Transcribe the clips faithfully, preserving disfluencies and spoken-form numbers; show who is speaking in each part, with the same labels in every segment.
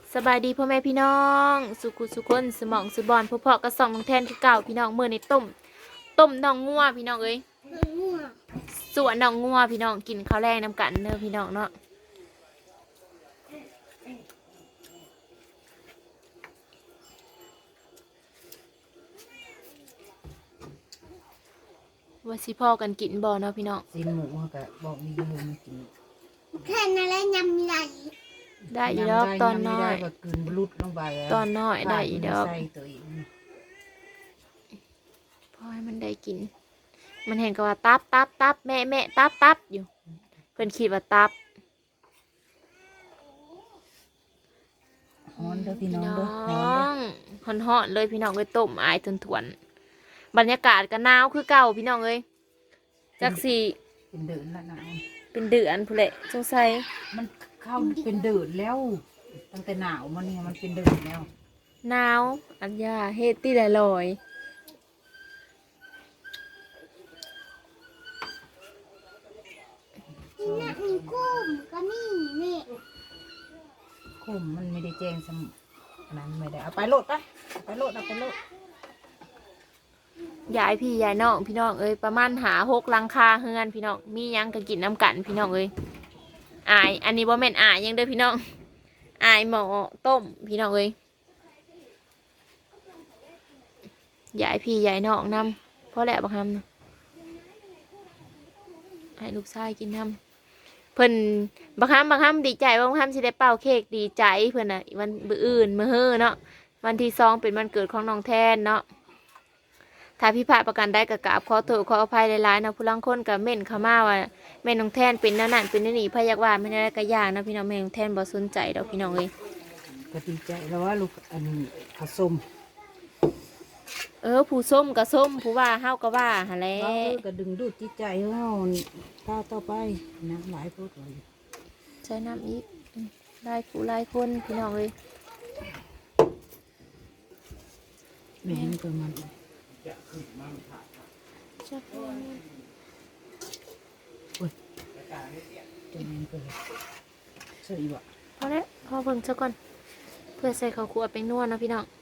Speaker 1: สบายดีพ่อแม่พี่น้องสุขุสุคนสมองสุบอนพ่อพ่อกระส่องน้องแทนคือเก่าพี่น้องเมื่อในต้มต้มน้องงัวพี่น้องเอ้ยส่วนน้องงัวพี่น้องกินข้าวแรงน้ำกันเน้อพี่น้องเนาะว่าสิพ่อกันกินบ่เนาะพี่น้อง
Speaker 2: สินหมูก็บอกมีอยู่มากิน
Speaker 3: แค่นั้นแหละยำใหญ่
Speaker 1: ได้อีดอกตอนน้อย
Speaker 2: ก็กินบลุดลงไป
Speaker 1: ตอนน้อยได้อีดอก
Speaker 2: ใส่ตัวเอง
Speaker 1: พอให้มันได้กินมันเห็นก็ว่าตับตับตับแม่แม่ตับตับอยู่เพิ่นคิดว่าตับ
Speaker 2: ฮ้อนเด้อพี่น้องเด้อ
Speaker 1: ฮ้อนฮ้อนฮ้อนเลยพี่น้องเลยต้มอายทนทวนบรรยากาศก็หนาวคือเก่าพี่น้องเอ้ยจักสี
Speaker 2: เป็นเดือนละหนาว
Speaker 1: เป็นเดือนผู้เละสงสัย
Speaker 2: มันเข้าเป็นเดือนแล้วตั้งแต่หนาวมันเนี่ยมันเป็นเดือนแล้ว
Speaker 1: หนาวอันยาเฮ็ดตี้ลอย
Speaker 3: นี่นะมีกุ้งก็มีนี่
Speaker 2: คมมันไม่ได้แจ้งสมนั้นไม่ได้เอาไปโลดไปไปโลดเอาไปโลด
Speaker 1: ยายพี่ยายน้องพี่น้องเอ้ยประมาณหาหกลังคาเฮือนพี่น้องมียังก็กินน้ำกันพี่น้องเอ้ยอายอันนี้บ่แม่นอายยังเด้อพี่น้องอายหมอต้มพี่น้องเอ้ยยายพี่ยายน้องนำเพราะแหละบักคำนะให้ลูกชายกินนำเพิ่นบักคำบักคำดีใจบักคำสิได้เป่าเค้กดีใจเพิ่นน่ะวันมื้ออื่นมื้อเฮ้อเนาะวันที่สองเป็นวันเกิดของน้องแทนเนาะถ้าพี่พาประกันได้กับกราบขอโทษขออภัยหลายๆนะผู้ลังคนกับเม่นเขามาว่าแม่น้องแทนเป็นนั่นนั่นเป็นนี่พยักว่าไม่ได้กระยานะพี่น้องแม่น้องแทนบ่สนใจดอกพี่น้องเลย
Speaker 2: ก็ดีใจแล้วว่าลูกอันนี้ผสม
Speaker 1: เออผู้ส้มกับส้มผู้ว่าเฮาก็ว่าหะแล
Speaker 2: ก็ดึงดูดจิตใจเฮาข้าวต่อไปน้ำหลายพูดเลย
Speaker 1: ใช้น้ำอีกไล่ผู้ไล่คนพี่น้องเลย
Speaker 2: แม่นี่ตัวมัน
Speaker 1: จับโอ้
Speaker 2: ยจะแม่นเปิดใส่บ่
Speaker 1: พอแล้วพอเพิ่งซะก่อนเพื่อใส่ข้าวคั่วไปนวดนะพี่น้อง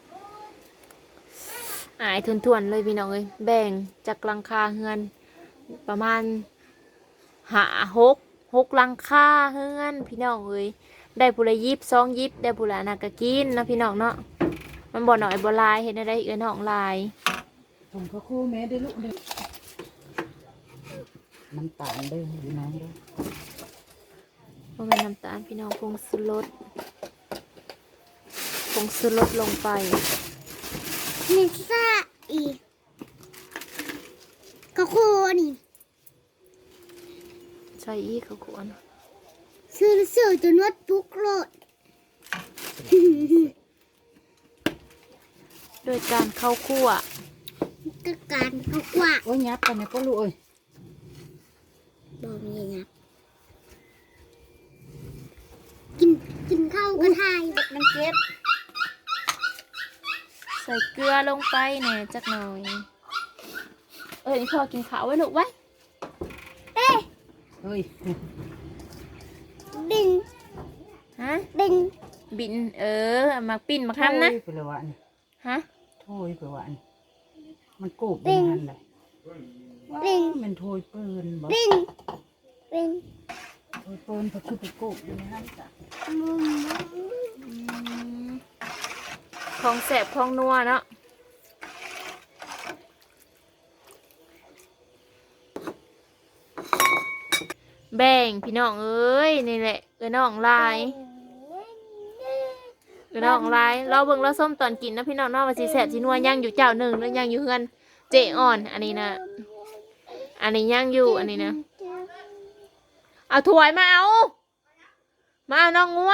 Speaker 1: อายทวนๆเลยพี่น้องเลยแบ่งจากลังคาเฮือนประมาณหาหกหกลังคาเฮือนพี่น้องเลยได้ผู้ละยิบสองยิบได้ผู้ละนากะกินนะพี่น้องเนาะมันบ่หน่อยบ่ลายเห็นได้เอ้ยน้องลาย
Speaker 2: ผมก็คู่แม่ได้ลูกเด้อมันตาลเด้อพี่น้องเด้อ
Speaker 1: บ่แม่นน้ำตาลพี่น้องผงชูรสผงชูรสลงไป
Speaker 3: มีซ่าอีกกระโคนี่
Speaker 1: ใส่อีกข้าวคั่ว
Speaker 3: ซื้อซื้อจนวัดทุกโลด
Speaker 1: โดยการเข้าคั่ว
Speaker 3: ก็การเขากว่า
Speaker 2: โอ้ยยับกันเนี่ยก็รู้เอ้ย
Speaker 3: บอกมีงับกินกินข้าวกระทาย
Speaker 2: มันเก็บ
Speaker 1: ใส่เกลือลงไปแหน่จักหน่อยเอ้ยพอกินข้าวไว้ลูกไว้
Speaker 3: เอ๊ะ
Speaker 2: เฮ้ย
Speaker 3: บิน
Speaker 1: ฮะ
Speaker 3: บิน
Speaker 1: บินเออมาปิ้นมาทำนะ
Speaker 2: ไปเลยวัน
Speaker 1: ฮะ
Speaker 2: โถยไปวันมันโกบเป็นงานเลย
Speaker 3: บิน
Speaker 2: มันโถยปืนบ่
Speaker 3: บินบิน
Speaker 2: โถยปืนก็คือไปโกบอยู่ในนั้นจ้ะ
Speaker 1: ของแสบของนัวเนาะแบ่งพี่น้องเอ้ยนี่แหละเอ้ยน้องลายเอ้ยน้องลายเราเบิ่งเราส้มตอนกินนะพี่น้องเนาะว่าสิแสบสินัวย่างอยู่เจ้าหนึ่งแล้วย่างอยู่เฮือนเจ๊อ่อนอันนี้นะอันนี้ย่างอยู่อันนี้นะเอาถ้วยมาเอามาเอาน้องงัว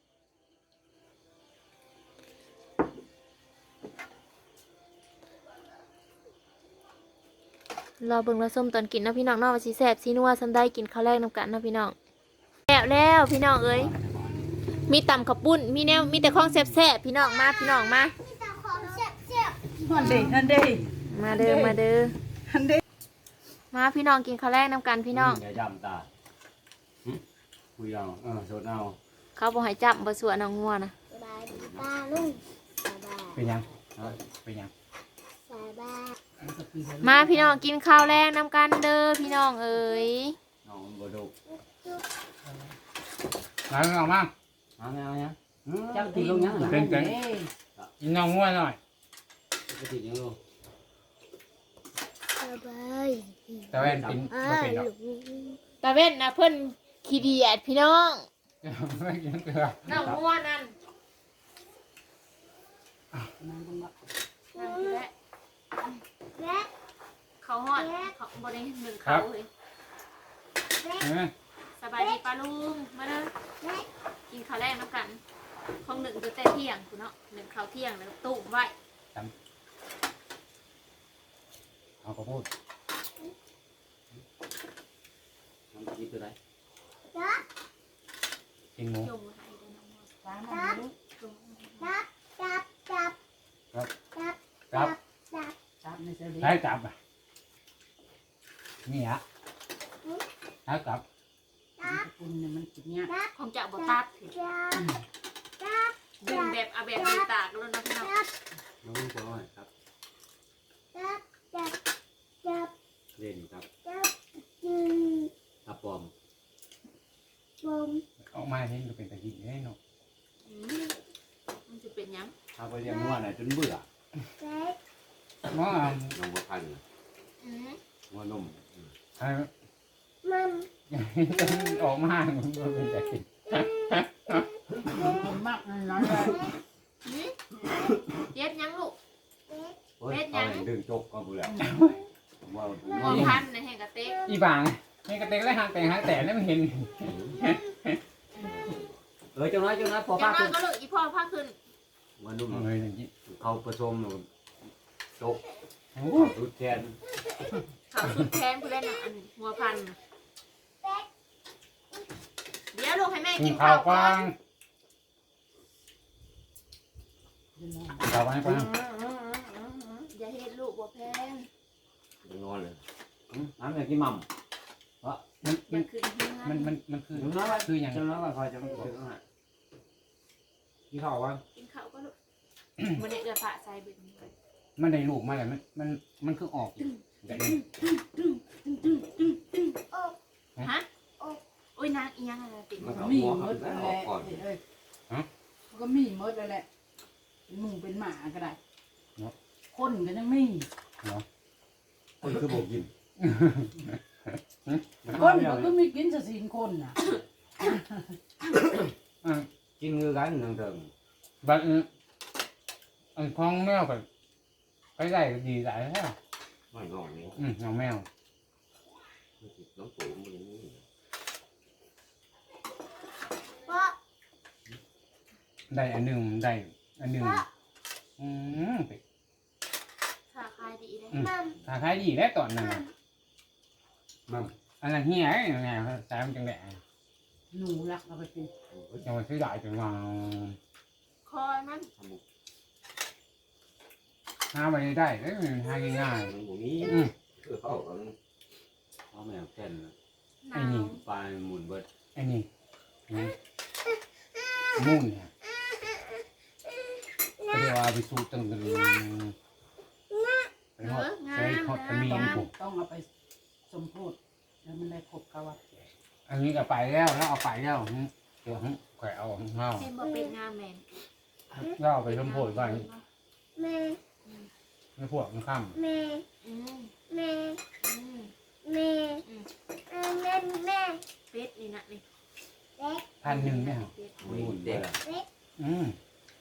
Speaker 1: รอเบิ่งเราส้มตอนกินนะพี่น้องเนาะว่าสิแสบสินัวซันได้กินข้าวแรกน้ำกันนะพี่น้องแล้วแล้วพี่น้องเอ้ยมีตำข้าวปุ้นมีแนวมีแต่ของแซ่บๆพี่น้องมาพี่น้องมา
Speaker 2: ฮันเดฮันเด
Speaker 1: มาเด้อมาเด้อ
Speaker 2: ฮันเด
Speaker 1: มาพี่น้องกินข้าวแรกน้ำกันพี่น้อง
Speaker 4: อย่าจำตาคุยเอาเออสดเอา
Speaker 1: เขาบอกให้จับบ่สวนเอางัวนะ
Speaker 3: บายลุงสบาย
Speaker 4: เป็นยังเป็นยัง
Speaker 3: สบาย
Speaker 1: มาพี่น้องกินข้าวแรงน้ำกันเด้อพี่น้องเอ๋ย
Speaker 4: น้องบ่ดูมาเอามาเอาไงเอาไง
Speaker 2: จับตีลงยัง
Speaker 4: เป็นเป็นกินน้องง่วยหน่อย
Speaker 5: ก็ติดยังลูก
Speaker 3: สบาย
Speaker 4: แต่ว่าเป็น
Speaker 3: อ่า
Speaker 4: บ่เป็นดอก
Speaker 3: ลุง
Speaker 1: ตาเว้นนะเพิ่นขี้เดียดพี่น้อง
Speaker 4: ไม่กินเกลือ
Speaker 1: น้องม่วนนั่น
Speaker 2: นั่งตรงนั้น
Speaker 1: นั่นคือแหละ
Speaker 3: แม่
Speaker 1: เขาฮอดเขาบ่ได้หนึ่งเขาเลย
Speaker 4: เห็นไหม
Speaker 1: สบายดีป้าลุงมาเด้อ
Speaker 3: แม่
Speaker 1: กินข้าวแรกน้ำกันของหนึ่งจะแต่เที่ยงคุณเนาะหนึ่งข้าวเที่ยงแล้วก็ตุ้มไว้
Speaker 4: เอาก็พูด
Speaker 5: ทำกินตัวไหน
Speaker 3: จับ
Speaker 4: กินหมู
Speaker 1: จงไว้ให้เด้อน้องม่วน
Speaker 2: ตามมาดู
Speaker 1: จง
Speaker 3: จับจับจับจับ
Speaker 4: ครับ
Speaker 3: จับ
Speaker 2: จับในเสลี
Speaker 4: ให้จับอ่ะนี่ฮะให้จับ
Speaker 3: จับ
Speaker 2: คุณเนี่ยมันกินเนี่ย
Speaker 3: จับ
Speaker 1: ของจะบ่ตัดสิ
Speaker 3: จับจับ
Speaker 1: ดึงแบบเอาแบบดีตากแล้วนะพี่น้อง
Speaker 3: จับ
Speaker 5: น้องพ่อครับ
Speaker 3: จับจับจับ
Speaker 5: เล่นครับ
Speaker 3: จับจืด
Speaker 5: ตาปอม
Speaker 3: บม
Speaker 4: ออกมาเห็นก็เป็นตะกี้แน่เนาะ
Speaker 1: อืมมันจะเป็นหยัง
Speaker 5: ถ้าไปเรียนนวดน่ะจนเบื่อ
Speaker 3: เล็ก
Speaker 4: น้อง
Speaker 5: น้องบ่ทัน
Speaker 1: อืม
Speaker 5: นวดนม
Speaker 4: ให้
Speaker 3: มัม
Speaker 4: ออกมามันก็เป็นตะกี้
Speaker 2: คนมากนั่นเลย
Speaker 1: อืมเย็บหยังลูก
Speaker 3: เล็ก
Speaker 5: เฮ้ยเอาให้ดึงจกก็เบื่อว่า
Speaker 1: หัวพันในแห่งกระเต๊ก
Speaker 4: อีบางนี่กระเตงและหางแต่งหางแต่นี่มันเห็น
Speaker 5: เออจังน้อยจังน้อยพอ
Speaker 1: อย่า
Speaker 5: ป้าง
Speaker 1: น้อ
Speaker 5: ขึ้
Speaker 1: ย
Speaker 5: น
Speaker 1: ก็ลูกอีพ่อพาขึ้น
Speaker 5: นวดนุ่ม
Speaker 4: เลยอย่างนี้
Speaker 5: เขาผสมจก
Speaker 4: โอ้
Speaker 5: รุดแทน
Speaker 1: เขาสุดแทนผู้เล่นน่ะอันหัวพันน่ะเดี๋ยวลูกให้แม่
Speaker 4: กิ
Speaker 1: กิ
Speaker 4: น
Speaker 1: น
Speaker 4: ข้า
Speaker 1: ข้าว ว
Speaker 4: ก
Speaker 1: ก่อ
Speaker 4: ว้าน งข้าวกว้างกว้าง
Speaker 1: อย่าเฮ็ดลูกบ่แพง
Speaker 5: นอนเลยน้ำอยากกินมั่ม
Speaker 4: มัน
Speaker 1: อ
Speaker 4: มั
Speaker 1: ย่าน ขึ้นเฮือน
Speaker 4: มันมันมันคือ
Speaker 5: จังน้อย
Speaker 4: คืออย่าง
Speaker 5: จังน้อยว่าคอยจะไม่ถึงอ่ะ
Speaker 4: กินข้าวกว้าง
Speaker 1: กินข้าวก็ลูกมันเนี่ยเอือฝาใส่เบิดนี้เลย
Speaker 4: มันได้ลูกมาแล้วมันมันมันคือออกแบบนี้
Speaker 1: ฮะโอ้ยนางอีหยังอะไรติด
Speaker 5: มัน
Speaker 2: ก็
Speaker 5: เอา
Speaker 2: มี
Speaker 5: หัว
Speaker 2: ม
Speaker 5: เขา
Speaker 2: ด
Speaker 5: แล้
Speaker 2: แล้ว
Speaker 5: วออกก่อน
Speaker 2: เอ้ยก็มีมดแล้วแหละเป็นหมูเป็นหมาก็ได้คนก็ยังมี
Speaker 5: คนคือบอกกิน
Speaker 2: คนก็มีกินสะสินคนน่ะ
Speaker 5: กินคือกันนั่งเถิง
Speaker 4: บัดอันคล้องแมวไปไปได้ก็ดีหลายแล้ว
Speaker 5: ไม่งอกนี่
Speaker 4: อืมน้องแมว
Speaker 5: น้องปู่มันอย่างนี้
Speaker 3: พ่อ
Speaker 4: ได้อันหนึ่งได้อันหนึ่งอืม
Speaker 1: ขาคายดีเลย
Speaker 3: มัม
Speaker 4: ถ้าขายดีแล้วตอนนั้น
Speaker 3: มั
Speaker 4: น่ะ
Speaker 3: ม
Speaker 5: มั่ม
Speaker 4: อันนั้นเฮียไอ้ไงสายมันจังแหละ
Speaker 2: หนูรักเอาไปกิน
Speaker 4: จังหวะซื้อได้จังหวะ
Speaker 1: คอยมัน
Speaker 5: ทำบุก
Speaker 4: หาไปได้เอ้ยมันหาง่าย
Speaker 5: มันบุนี้
Speaker 4: ๆอืม
Speaker 5: เออเขาเอาเอาแมวแค่น
Speaker 1: หนาว
Speaker 5: ปลาหมุนเบิด
Speaker 4: ไอ้นี่นี่มุ่นเนี่ยก็เรียกว่าไปสู้ตึงกันไปหอดใส่หอดตะมีนผม
Speaker 2: ต้องเอาไปสมโพธิแล้วมันได้ครบเขาว่า
Speaker 4: อันนี้ก็ไปแล้วแล้วเอาไปแล้วเดี๋ยวแขวะเอาของเฮา
Speaker 1: เห็นบ่เป็นงามแมน
Speaker 4: แล้วเอาไปชมโพดก่อน
Speaker 3: แม่
Speaker 4: ไม่พวกมันข้าม
Speaker 3: แม่
Speaker 1: อืม
Speaker 3: แม่
Speaker 1: อืม
Speaker 3: แม่เออแม่แม่
Speaker 1: เป็ดนี่นะนี่
Speaker 3: เล็ก
Speaker 4: พันหนึ่งเนี่ย
Speaker 1: เป็ด
Speaker 5: หมุนเด็ก
Speaker 4: อืม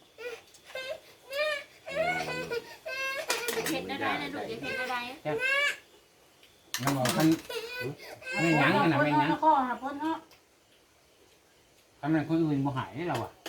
Speaker 1: อย่าเผ็ดได้ได้นะลูกอย่าเผ็ดได้ได้
Speaker 4: มันบอกพันไม่ยั้งกันนะไม่ยั้ง
Speaker 2: ข้อหาพ้นเนาะ
Speaker 4: ทำไมคนอื่นบ่หายเราอ่ะ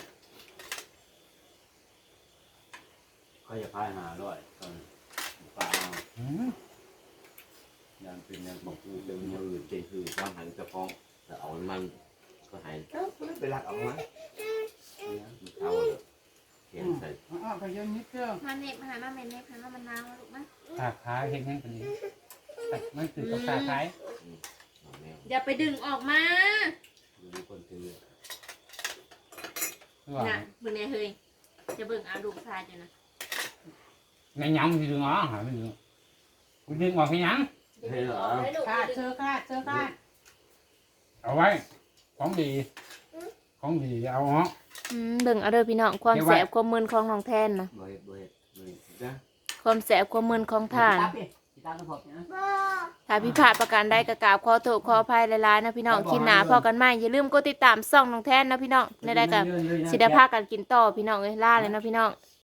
Speaker 5: เขาจะพายหาร้อยตอนปลา
Speaker 4: อืม
Speaker 5: ยันเป็นยันบอกคือเป็นยันอื่นเป็นคือความหันจะฟ้องแต่เอามันก็หายไปรักเอามาเอาเห็นใส่
Speaker 2: อ๋อก็ยังนิดเดียว
Speaker 1: มาเน็บมาหามาเม็ดเน็บหามามันนาวลูกมั้ย
Speaker 4: ขาขายเห็นยังกันนี้มันคือกับขาขาย
Speaker 5: แมว
Speaker 1: อย่าไปดึงออกมา
Speaker 5: มีคนถือ
Speaker 4: คือว่า
Speaker 1: น่ะมึงเนี่ยเฮ้ยจะเบิ่งเอาลูกชายจ้ะนะ
Speaker 4: ในยังมันดึงอ๋อหาไม่ดึงกูดึงออกแค่ยัง
Speaker 5: เฮ้ยเหรอ
Speaker 2: คาดเชื่อคาดเชื่อคาด
Speaker 4: เอาไว้ของดีของดีเอาอ๋อ
Speaker 1: อืมเบิ่งเอาเด้อพี่น้องความ
Speaker 4: เดี๋ยวไว้
Speaker 1: แสบความมึนของน้องแทนนะ
Speaker 5: บ่เฮ็ดบ่เฮ็ดบ่เฮ็ดจ้ะ
Speaker 1: ความแสบความมึนของท่าน
Speaker 2: ตาพี่ตาต้องพบนะ
Speaker 3: บ่
Speaker 1: ถ้าพิพาทประการใดก็กราบขอโทษขออภัยหลายๆนะพี่น้องคลิปหน้าพอกันใหม่อย่าลืมกดติดตามช่องน้องแทนนะพี่น้องในได้กับสิได้พากันกินต่อพี่น้องเอ้ยล่าเลยนะพี่น้อง